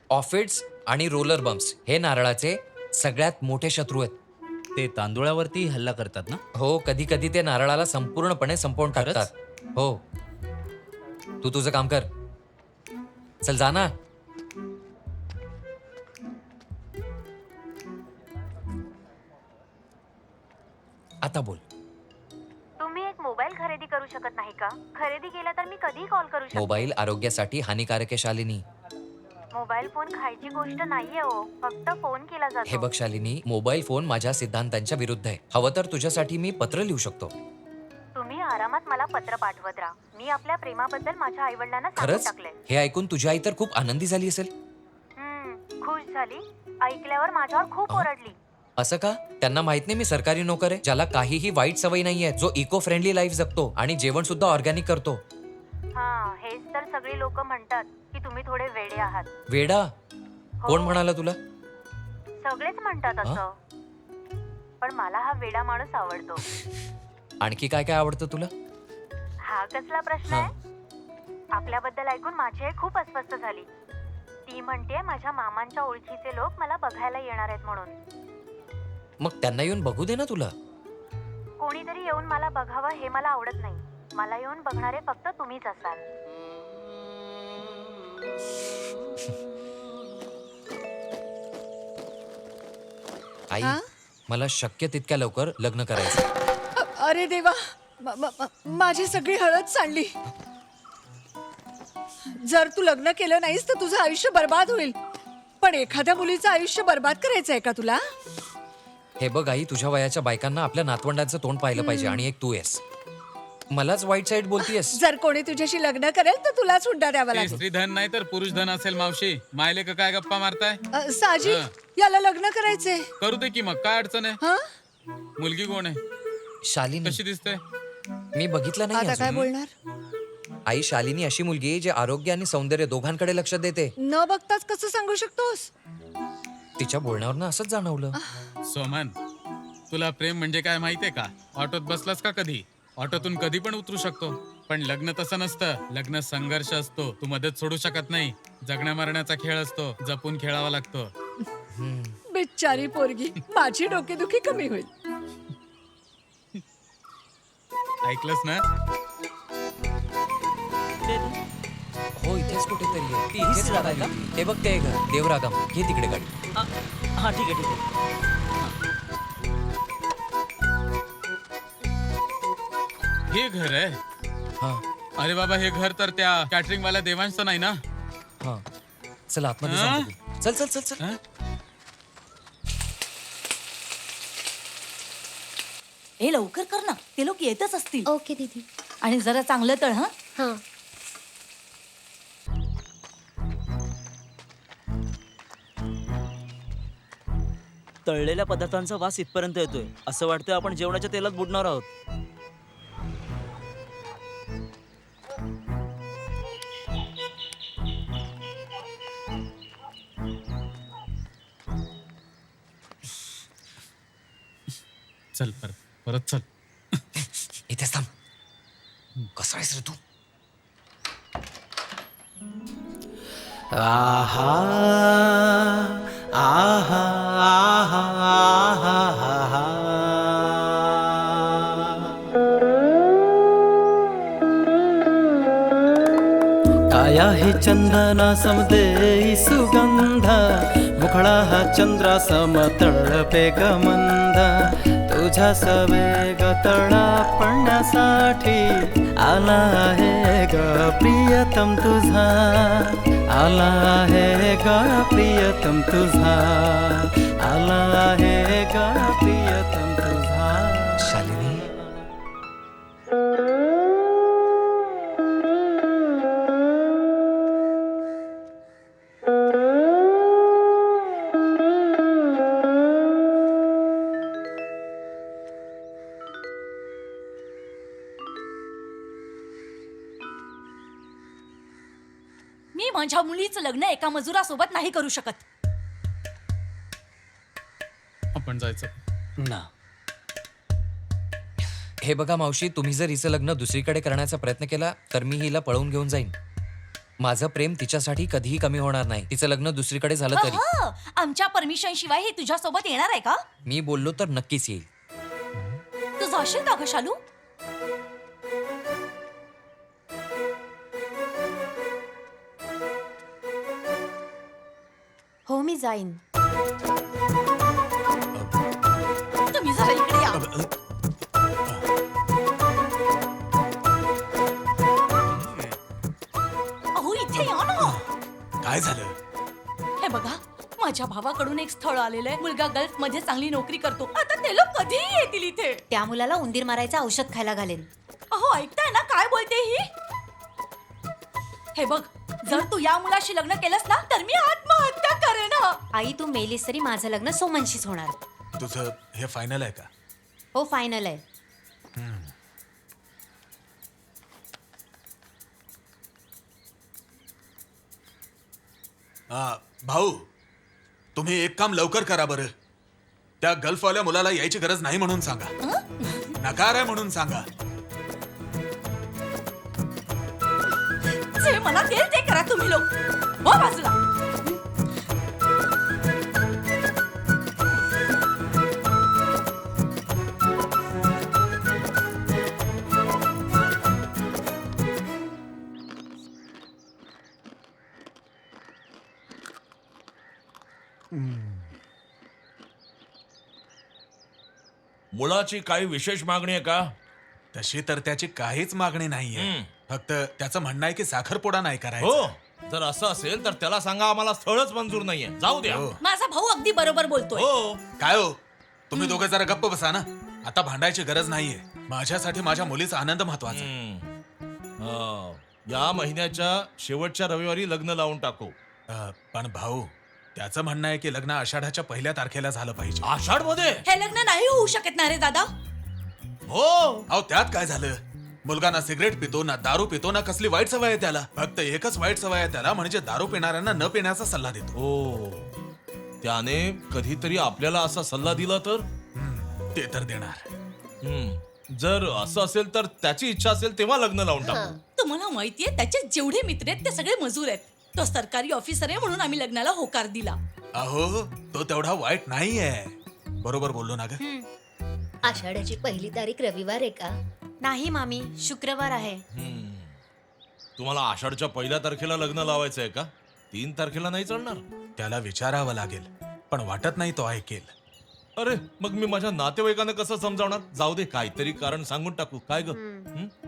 ऑफिड्स आणि roller bumps हे नारळाचे सगळ्यात मोठे शत्रू आहेत. ते तांदुळावरती हल्ला करतात ना? हो, कधी कधी ते नारळाला संपूर्णपणे संपवून खरंच? टाकतात. हो. तू तुझं काम कर. चल जा ना. आता बोल. तुम्ही एक मोबाईल खरेदी करू शकत नाही का? खरेदी केला तर मी कधी कॉल करू शकते? मोबाईल आरोग्यासाठी हानिकारक आहे शालिनी. मोबाईल फोन खायची गोष्ट नाहीये हो. फक्त फोन केला हे जातो. बघ शालिनी, मोबाईल फोन माझ्या सिद्धांतांच्या विरुद्ध आहे. हवं तर तुझ्यासाठी मी पत्र लिहू शकतो. तुम्ही आरामात मला पत्र पाठवत राहा. मी आपल्या प्रेमाबद्दल माझ्या आई वडिलांना सांगून खरंच टाकले. हे ऐकून तुझी आई तर खूप आनंदी झाली असेल. खुश झाली. ऐकल्यावर माझ्यावर खूप ओरडली. असं का? त्यांना माहित नाही मी सरकारी नोकर आहे, ज्याला काहीही वाईट सवय नाहीये, जो इको फ्रेंडली लाईफ जगतो आणि जेवण सुद्धा ऑर्गॅनिक करतो. हा, हेच तर सगळी लोक म्हणतात की तुम्ही थोडे वेडे आहात. वेडा? हो. कोण म्हणाला तुला? सगळेच म्हणतात असं. पण मला हा वेडा माणूस आवडतो. आणखी काय काय आवडतं तुला? हा कसला प्रश्न आहे? आपल्याबद्दल ऐकून माझी आई खूप अस्वस्थ झाली. ती म्हणते माझ्या मामांच्या ओळखीचे लोक मला बघायला येणार आहेत म्हणून. मग त्यांना येऊन बघू दे ना तुला. कोणीतरी येऊन मला बघावं हे मला आवडत नाही. मला येऊन बघणारे फक्त तुम्हीच असाल. आई, हा? मला शक्य तितक्या लवकर लग्न करायचं. अरे देवा, माझी सगळी हळद सांडली. जर तू लग्न केलं नाहीस तर तुझं आयुष्य बर्बाद होईल. पण एखाद्या मुलीचं आयुष्य बर्बाद करायचंय का तुला? हे बघ आई, तुझ्या वयाच्या बायकांना आपल्या नातवंडांचं तोंड पाहिलं पाहिजे आणि एक तू आहेस. मलाच वाईट साईड बोलतीयस. जर कोणी तुझ्याशी लग्न करेल तर तुलाच हुंडा द्यावा ते लागेल. स्त्री धन नाही तर पुरुष धन असेल मावशी. मायले का काय गप्पा मारताय? साजी, हा. याला लग्न करायचंय. करू दे की मग, काय अडचण आहे? हा? मुलगी कोण आहे? शालिनी, कशी दिसते? मी बघितलं नाही आता काय अजून. बोलणार? आई, शालिनी अशी मुलगी आहे जी आरोग्य आणि सौंदर्य दोघांकडे लक्ष देते. न बघताच कसं सांगू शकतोस? तिच्या बोलण्यावरनं असंच जाणवलं. सोमन, तुला प्रेम म्हणजे काय माहितीये का? ऑटोत बसलास का कधी? ऑटोतून कधी पण उतरू शकतो. पण लग्न तसं नसतं. लग्न संघर्ष असतो. तू मदत सोडू शकत नाही. जगण्या मरण्याचा खेळ असतो. जपून खेळावा लागतो. बिचारी पोरगी, माझी डोकेदुखी कमी होईल. ऐकलंस ना? हो, इथेच कुठेतरी आहे. ती इथेच जागा आहे राहते. हे बघ ते घर देवरागम. घे तिकडे गाडी. हा ठीक आहे ठीक आहे. हे घर आहे? हा अरे बाबा, हे घर तर त्या कॅटरिंग वाल्या देवांचं नाही ना? हा, चल आतमध्ये हा? जाऊन बघू. चल चल चल चल. हं? हे लवकर कर ना, ते लोक येतच असतील. ओके दीदी. आणि जरा चांगलं तळ हा. हां. तळलेल्या पदार्थांचा वास इथपर्यंत येतोय. असं वाटतंय आपण जेवणाच्या तेलात बुडणार आहोत. चल परत परत चल. इथेच थांब. कसा आहेस रे तू? आहा आहा आहा आहा काया हे चंदना समदेई सुगंध मुखडा हा चंद्रा समतळपे गमंद तुझ्या सवेग तळा पडण्यासाठी आला आहे ग प्रियतम तुझा आला आहे ग प्रियतम तुझा आला आहे ग प्रियतम तुझा. शालिनी, मी माझ्या मुलीचं लग्न एका मजुरासोबत नाही करू शकत. आपण जायचं ना हे बघा मावशी, तुम्ही जर हिचं लग्न दुसरीकडे करण्याचा प्रयत्न केला तर मी हिला पळवून घेऊन जाईन. माझं प्रेम तिच्यासाठी कधीही कमी होणार नाही. तिचं लग्न दुसरीकडे झालं तरी. अहं, आमच्या परमिशन शिवाय हे तुझ्या सोबत येणार आहे का? मी बोललो तर नक्कीच येईल. तू जाशील का ग शालू? हो मी जाईन. तुम्ही जरा इकडे या. अहो इथे या ना. काय झालं? हे बघा, माझ्या भावाकडून एक स्थळ आलेलं आहे. मुलगा गल्फ मध्ये चांगली नोकरी करतो. आता ते लोक कधीही येतील इथे. त्या मुलाला उंदीर मारायचं औषध खायला घालेन. अहो ऐकताय ना काय बोलते ही? हे बघ, जर तू या मुलाशी लग्न केलंस ना तर मी आत्महत्या करेन. आई तू मेलीस तरी माझं लग्न सोमनशीच होणार. तुझं हे फायनल आहे का? हो फायनल आहे. भाऊ, तुम्ही एक काम लवकर करा बरं. त्या गल्फवाल्या मुलाला यायची गरज नाही म्हणून सांगा. नकार आहे म्हणून सांगा. जे मला तेल ते करा तुम्ही लोक. हो बाजूला. मुलाची काही विशेष मागणी आहे का? तशी तर त्याची काहीच मागणी नाहीये. फक्त त्याचं म्हणणं आहे की साखरपुडा नाही करायचा. हो, जर असं असेल तर त्याला सांगा आम्हाला स्थळच मंजूर नाहीये. जाऊ द्या. हो. माझा भाऊ अगदी बरोबर बोलतोय. हो, काय हो, तुम्ही दोघं जरा गप्प बसा ना. आता भांडायची गरज नाहीये. माझ्यासाठी माझ्या मुलीचा आनंद महत्वाचा आहे. या महिन्याच्या शेवटच्या रविवारी लग्न लावून टाकू. पण भाऊ, त्याचं म्हणणं आहे की लग्न आषाढाच्या 1 तारखेला झालं पाहिजे. आषाढ मध्ये? हे लग्न नाही होऊ शकत ना रे दादा. हो, अहो त्यात काय झालं? मुलगा ना सिगरेट पितो ना दारू पितो ना कसली वाईट सवय आहे त्याला. फक्त एकच वाईट सवय आहे त्याला, म्हणजे दारू पिणाऱ्यांना न पिण्याचा सल्ला देतो. हो, त्याने कधीतरी आपल्याला असा सल्ला दिला तर? ते तर देणार. जर असं असेल तर त्याची इच्छा असेल तेव्हा लग्न लावून टाकू. तुम्हाला माहितीये त्याचे जेवढे मित्र आहेत ते सगळे मजूर आहेत. तो सरकारी ऑफिसर आहे म्हणून आम्ही लग्नाला होकार दिला. अहो तो तेवढा वाईट नाहीये. बरोबर बोललो ना ग? आषाढाची 1 तारीख रविवार आहे का? नाही मामी, शुक्रवार आहे. तुम्हाला आषाढच्या 1 तारखेला लग्न लावायचं आहे का? 3 तारखेला नाही चालणार? त्याला विचारावं लागेल, पण वाटत नाही तो ऐकेल. अरे मग मी माझ्या नातेवाईकांना कसं समजावणार? जाऊ दे, काहीतरी कारण सांगून टाकू. काय ग?